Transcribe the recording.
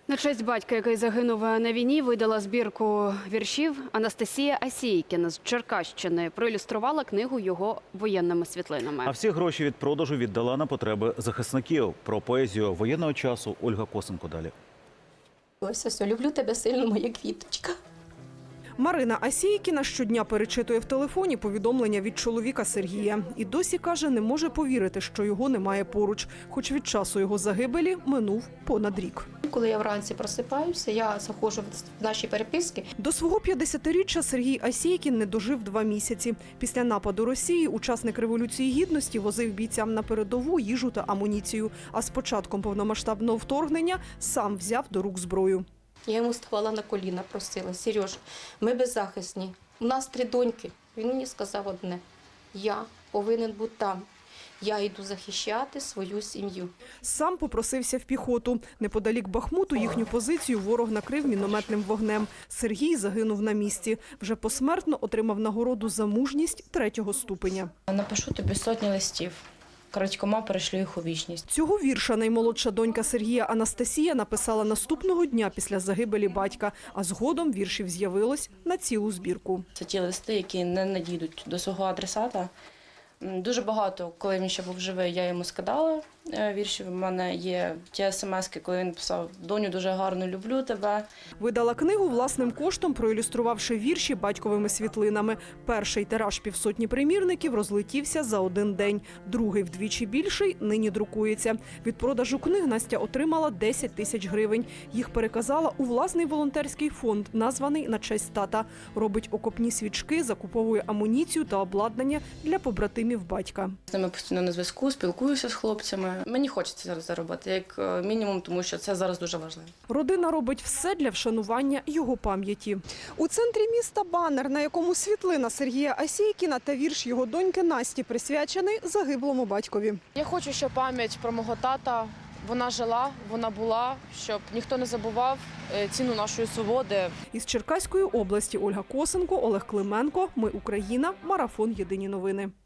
На честь батька, який загинув на війні, видала збірку віршів Анастасія Асійкіна з Черкащини. Проілюструвала книгу його воєнними світлинами. А всі гроші від продажу віддала на потреби захисників. Про поезію воєнного часу Ольга Косенко далі. Ось, ось, люблю тебе сильно, моя квіточка. Марина Асійкіна щодня перечитує в телефоні повідомлення від чоловіка Сергія. І досі, каже, не може повірити, що його немає поруч. Хоч від часу його загибелі минув понад рік. Коли я вранці просипаюся, я заходжу в наші переписки. До свого 50-річчя Сергій Асійкін не дожив 2 місяці. Після нападу Росії учасник Революції Гідності возив бійцям на передову їжу та амуніцію. А з початком повномасштабного вторгнення сам взяв до рук зброю. Я йому ставала на коліна, просила: Сереж, ми беззахисні, у нас 3 доньки. Він мені сказав одне: я повинен бути там. Я йду захищати свою сім'ю. Сам попросився в піхоту. Неподалік Бахмуту їхню позицію ворог накрив мінометним вогнем. Сергій загинув на місці. Вже посмертно отримав нагороду за мужність 3-го ступеня. Напишу тобі сотні листів. Крадькома перешлю їх у вічність. Цього вірша наймолодша донька Сергія Анастасія написала наступного дня після загибелі батька, а згодом віршів з'явилось на цілу збірку. Це ті листи, які не надійдуть до свого адресата. Дуже багато, коли він ще був живий, я йому скидала віршів. У мене є ті смски, коли він писав: «Доню, дуже гарно люблю тебе». Видала книгу власним коштом, проілюструвавши вірші батьковими світлинами. Перший тираж 500 примірників розлетівся за 1 день. Другий, вдвічі більший, нині друкується. Від продажу книг Настя отримала 10 тисяч гривень. Їх переказала у власний волонтерський фонд, названий на честь тата. Робить окопні свічки, закуповує амуніцію та обладнання для побратимів батька. З ними постійно на зв'язку, спілкуюся з хлопцями. Мені хочеться зараз заробити, як мінімум, тому що це зараз дуже важливо. Родина робить все для вшанування його пам'яті. У центрі міста банер, на якому світлина Сергія Асійкіна та вірш його доньки Насті присвячений загиблому батькові. Я хочу, щоб пам'ять про мого тата, вона жила, вона була, щоб ніхто не забував ціну нашої свободи. Із Черкаської області Ольга Косенко, Олег Клименко. Ми Україна. Марафон. Єдині новини.